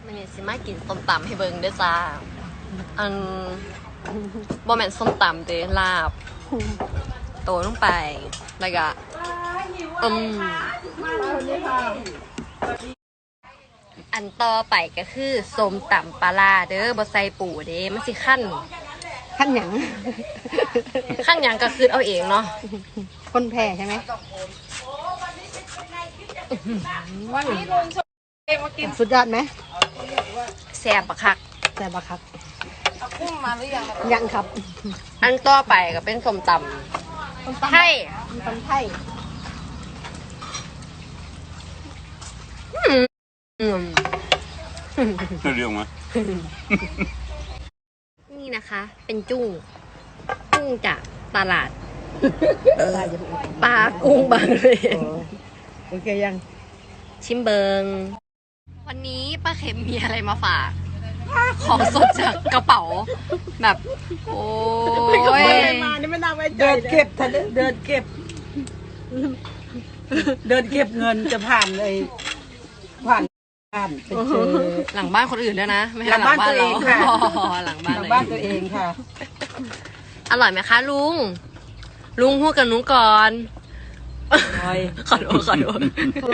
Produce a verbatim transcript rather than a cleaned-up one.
มันนี่สิมากินส้มตำให้เบิ่งเด้อจ้าอันบ่แม่นส้มตำเด้ลาบโตลงไปแล้วก็อืมอันต่อไปก็คือส้มตำปลาร้าเด้อบ่ใส่ปูเด้มันสิขั้นขั้นหยังขั้นหยังก็คือเอาเองเนาะคนแพ้ใช่ไหมสุดยอดไหมแซ่บบักคักแต่บักครับพุ่งมาหรือยังยังครับอันต่อไปก็เป็นส้มตำไทยตำไทยอืมเรื่องมานี่นะคะ เป็นจุ้งกุ้งจากตลาดปลากุ้งบางเลนโอเคยังชิมเบิงวันนี้ป้าเข็มมีอะไรมาฝาก ของสดจากกระเป๋า แบบ โอ้ยมานี่ไม่น่าไว้ใจเดินเก็บทะเลเดินเก็บ เดินเก็บเงินจะผ่านเลยผ่านผ่านไปเจอหลังบ้านคนอื่นด้วยนะ ไม่ใช่หลังบ้านตัวเองค่ะอ๋อหลังบ้านทางเลยบ้านตัวเองค่ะอร่อยไหมคะลุง ลุงพูดกับหนูก่อนอร่อยขอโทษขอโทษ